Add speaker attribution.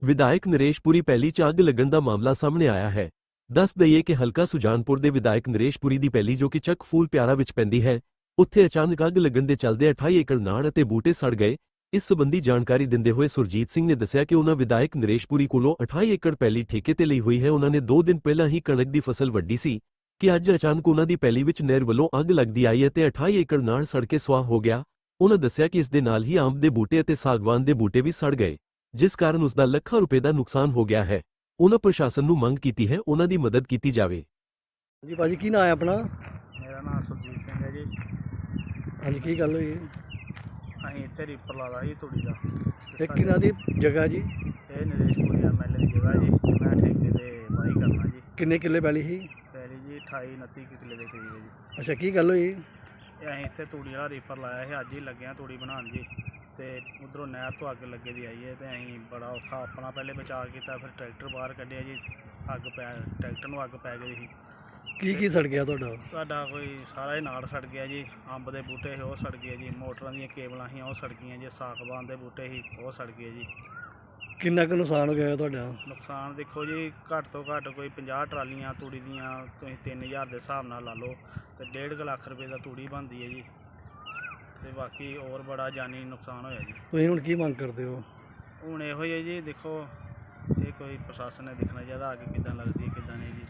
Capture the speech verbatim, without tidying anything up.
Speaker 1: ਵਿਧਾਇਕ ਨਰੇਸ਼ ਪੁਰੀ ਪਹਿਲੀ 'ਚ ਅੱਗ ਲੱਗਣ ਦਾ ਮਾਮਲਾ ਸਾਹਮਣੇ ਆਇਆ ਹੈ। ਦੱਸ ਦਈਏ ਕਿ ਹਲਕਾ ਸੁਜਾਨਪੁਰ ਦੇ ਵਿਧਾਇਕ ਨਰੇਸ਼ ਪੁਰੀ ਦੀ ਪਹਿਲੀ ਜੋ ਕਿ ਚੱਕ ਫੂਲ ਪਿਆਰਾ ਵਿੱਚ ਪੈਂਦੀ ਹੈ, ਉੱਥੇ ਅਚਾਨਕ ਅੱਗ ਲੱਗਣ ਦੇ ਚੱਲਦੇ ਅਠਾਈ ਏਕੜ ਨਾੜ ਅਤੇ ਬੂਟੇ ਸੜ ਗਏ। ਇਸ ਸੰਬੰਧੀ ਜਾਣਕਾਰੀ ਦਿੰਦੇ ਹੋਏ ਸੁਰਜੀਤ ਸਿੰਘ ਨੇ ਦੱਸਿਆ ਕਿ ਉਹਨਾਂ ਵਿਧਾਇਕ ਨਰੇਸ਼ ਪੁਰੀ ਕੋਲੋਂ ਅਠਾਈ ਏਕੜ ਪੈਲੀ ਠੇਕੇ ਤੇ ਲਈ ਹੋਈ ਹੈ। ਉਹਨਾਂ ਨੇ ਦੋ ਦਿਨ ਪਹਿਲਾਂ ਹੀ ਕਣਕ ਦੀ ਫਸਲ ਵੱਢੀ ਸੀ ਕਿ ਅੱਜ ਅਚਾਨਕ ਉਹਨਾਂ ਦੀ ਪੈਲੀ ਵਿੱਚ ਨਹਿਰ ਵੱਲੋਂ ਅੱਗ ਲੱਗਦੀ ਆਈ ਅਤੇ ਅਠਾਈ ਏਕੜ ਨਾੜ ਸੜ ਕੇ ਸੁਆਹ ਹੋ ਗਿਆ। ਉਹਨਾਂ ਦੱਸਿਆ ਕਿ ਇਸ ਦੇ ਨਾਲ ਹੀ ਅੰਬ ਦੇ ਬੂਟੇ ਅਤੇ ਸਾਗਵਾਨ ਦੇ ਬੂਟੇ ਵੀ ਸੜ ਗਏ, ਜਿਸ ਕਾਰਨ ਉਸ ਦਾ ਲੱਖਾਂ ਰੁਪਏ ਦਾ ਨੁਕਸਾਨ ਹੋ ਗਿਆ ਹੈ। ਉਹਨਾਂ ਪ੍ਰਸ਼ਾਸਨ ਨੂੰ ਮੰਗ ਕੀਤੀ ਹੈ ਉਹਨਾਂ ਦੀ ਮਦਦ ਕੀਤੀ ਜਾਵੇ।
Speaker 2: ਜੀ ਭਾਜੀ ਕੀ ਨਾਂ ਹੈ ਆਪਣਾ?
Speaker 3: ਮੇਰਾ ਨਾਮ ਸੁਰਜੀਤ ਸਿੰਘ ਹੈ ਜੀ।
Speaker 2: ਹਾਂਜੀ ਕੀ ਗੱਲ ਹੋਈ?
Speaker 3: ਅਸੀਂ ਇੱਥੇ ਰੀਪਰ ਲਾਦਾ ਜੀ ਤੂੜੀ ਦਾ।
Speaker 2: ਇਹ ਕਿਹਨਾਂ ਦੀ ਜਗ੍ਹਾ ਜੀ?
Speaker 3: ਇਹ Naresh Puri M L A ਦੀ ਜਗ੍ਹਾ ਜੀ। ਮੈਂ ਠੇਕੇ ਤੇ ਵਾਹੀ ਕਰਨਾ ਜੀ।
Speaker 2: ਕਿੰਨੇ ਕਿੱਲੇ ਪੈਲੀ ਸੀ?
Speaker 3: ਪਹਿਲੀ ਜੀ ਅਠਾਈ ਉਨੱਤੀ ਕੁ ਕਿੱਲੇ ਦੇ ਕਰੀਬ ਹੈ ਜੀ।
Speaker 2: ਅੱਛਾ ਕੀ ਗੱਲ ਹੋਈ?
Speaker 3: ਇਹ ਅਸੀਂ ਇੱਥੇ ਤੂੜੀ ਵਾਲਾ ਰੀਪਰ ਲਾਇਆ ਸੀ, ਅੱਜ ਹੀ ਲੱਗਿਆ ਤੂੜੀ ਬਣਾਉਣ ਜੀ। ਤੇ ਉਧਰੋਂ ਨਹਿਰ ਤੋਂ ਅੱਗ ਲੱਗੇ ਦੀ ਆਈ ਹੈ ਤੇ ਅਸੀਂ ਬੜਾ ਔਖਾ ਆਪਣਾ ਪਹਿਲੇ ਬਚਾਅ ਕੀਤਾ, ਫਿਰ ਟਰੈਕਟਰ ਬਾਹਰ ਕੱਢਿਆ ਜੀ। ਅੱਗ ਪੈ ਟਰੈਕਟਰ ਨੂੰ ਅੱਗ ਪੈ ਗਈ ਸੀ।
Speaker 2: ਕੀ ਕੀ ਸੜ ਗਿਆ ਤੁਹਾਡਾ?
Speaker 3: ਸਾਡਾ ਕੋਈ ਸਾਰਾ ਹੀ ਨਾੜ ਸੜ ਗਿਆ ਜੀ। ਅੰਬ ਦੇ ਬੂਟੇ ਸੀ ਉਹ ਸੜ ਗਏ ਜੀ, ਮੋਟਰਾਂ ਦੀਆਂ ਕੇਬਲਾਂ ਸੀ ਉਹ ਸੜ ਗਈਆਂ ਜੀ, ਸਾਗਵਾਨ ਦੇ ਬੂਟੇ ਸੀ ਉਹ ਸੜ ਗਏ ਜੀ।
Speaker 2: ਕਿੰਨਾ ਕੁ ਨੁਕਸਾਨ ਹੋ ਗਿਆ ਤੁਹਾਡਾ?
Speaker 3: ਨੁਕਸਾਨ ਦੇਖੋ ਜੀ, ਘੱਟ ਤੋਂ ਘੱਟ ਕੋਈ ਪੰਜਾਹ ਟਰਾਲੀਆਂ ਤੂੜੀ ਦੀਆਂ ਤੁਸੀਂ ਤਿੰਨ ਹਜ਼ਾਰ ਦੇ ਹਿਸਾਬ ਨਾਲ ਲਾ ਲਓ ਤੇ ਡੇਢ ਕੁ ਲੱਖ ਰੁਪਏ ਦਾ ਤੂੜੀ ਬਣਦੀ ਹੈ ਜੀ। ਤੇ ਬਾਕੀ ਹੋਰ ਬੜਾ ਜਾਨੀ ਨੁਕਸਾਨ ਹੋਇਆ ਜੀ।
Speaker 2: ਤੁਸੀਂ ਹੁਣ ਕੀ ਮੰਗ ਕਰਦੇ ਹੋ?
Speaker 3: ਹੁਣ ਇਹੋ ਹੀ ਹੈ ਜੀ, ਦੇਖੋ ਇਹ ਕੋਈ ਪ੍ਰਸ਼ਾਸਨ ਨੇ ਦੇਖਣਾ ਚਾਹੀਦਾ ਅੱਗ ਕਿੱਦਾਂ ਲੱਗਦੀ ਹੈ ਕਿੱਦਾਂ ਨਹੀਂ ਜੀ।